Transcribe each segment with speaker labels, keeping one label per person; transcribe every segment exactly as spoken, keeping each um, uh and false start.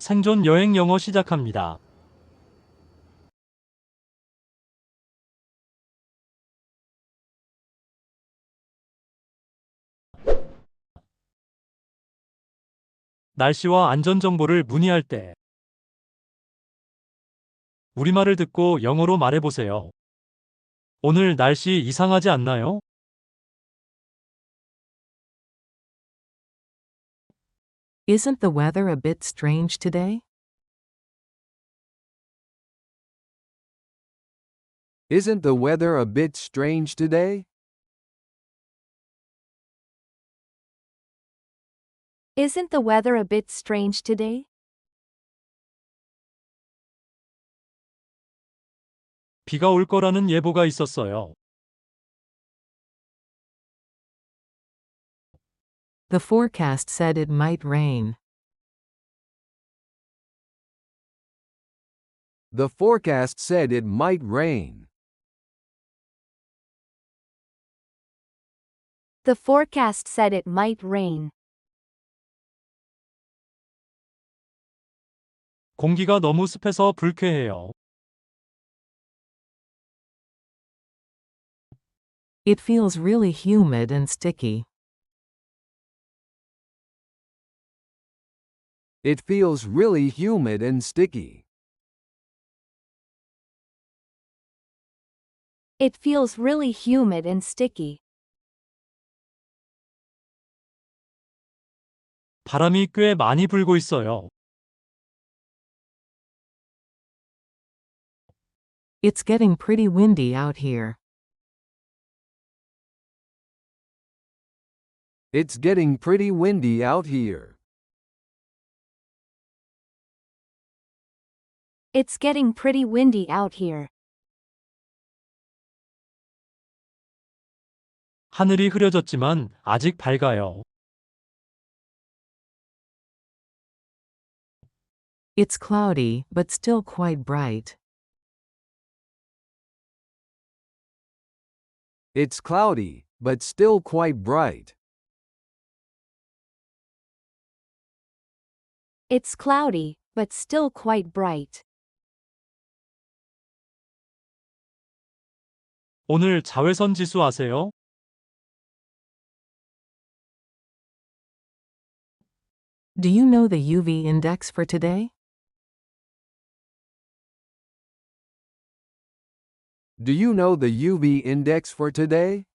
Speaker 1: 생존 여행 영어 시작합니다. 날씨와 안전 정보를 문의할 때 우리말을 듣고 영어로 말해보세요. 오늘 날씨 이상하지 않나요?
Speaker 2: Isn't the weather a bit strange today?
Speaker 3: Isn't the weather a bit strange today?
Speaker 4: Isn't the weather a bit strange today?
Speaker 1: 비가 올 거라는 예보가 있었어요.
Speaker 2: The forecast said it might rain.
Speaker 3: The forecast said it might rain.
Speaker 4: The forecast said it might rain.
Speaker 1: 공기가 너무 습해서 불쾌해요.
Speaker 2: It feels really humid and sticky.
Speaker 3: It feels really humid and sticky.
Speaker 4: It feels really humid and sticky.
Speaker 1: 바람이 꽤 많이 불고 있어요.
Speaker 2: It's getting pretty windy out here.
Speaker 3: It's getting pretty windy out here.
Speaker 4: It's getting pretty windy out here.
Speaker 1: 하늘이 흐려졌지만 아직 밝아요.
Speaker 2: It's cloudy, but still quite bright.
Speaker 3: It's cloudy, but still quite bright.
Speaker 4: It's cloudy, but still quite bright.
Speaker 1: 오늘 자외선 지수 아세요?
Speaker 2: Do you know the U V index for today?
Speaker 3: Do you know the U V index for today?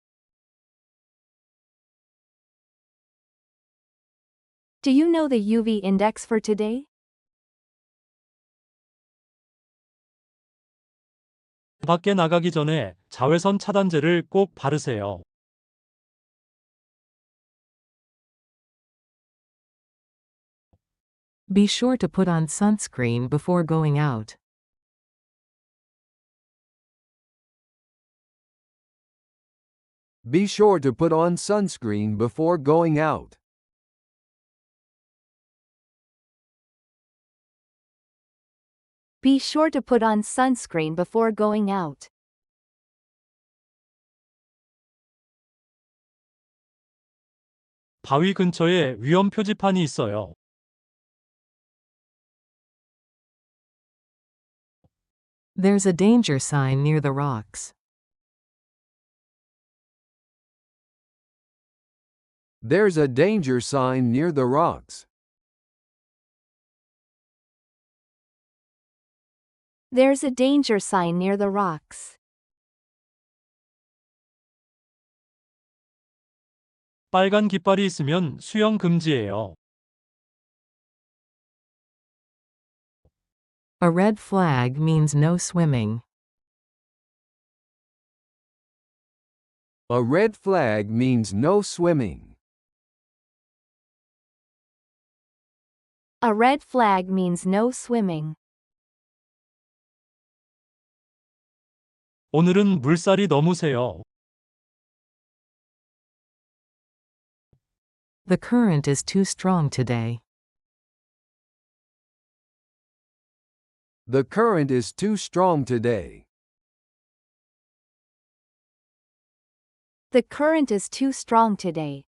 Speaker 4: Do you know the U V index for today?
Speaker 1: 밖에 나가기 전에 자외선 차단제를 꼭 바르세요.
Speaker 2: Be sure to put on sunscreen before going out.
Speaker 3: Be sure to put on sunscreen before going out.
Speaker 4: Be sure to put on sunscreen before going out.
Speaker 1: 바위 근처에 위험 표지판이 있어요.
Speaker 2: There's a danger sign near the rocks.
Speaker 3: There's a danger sign near the rocks.
Speaker 4: There's a danger sign near the rocks.
Speaker 1: 빨간 깃발이 있으면 수영 금지예요.
Speaker 2: A red flag means no swimming.
Speaker 3: A red flag means no swimming.
Speaker 4: A red flag means no swimming.
Speaker 1: 오늘은 물살이 너무 세요.
Speaker 2: The current is too strong today.
Speaker 3: The current is too strong today.
Speaker 4: The current is too strong today.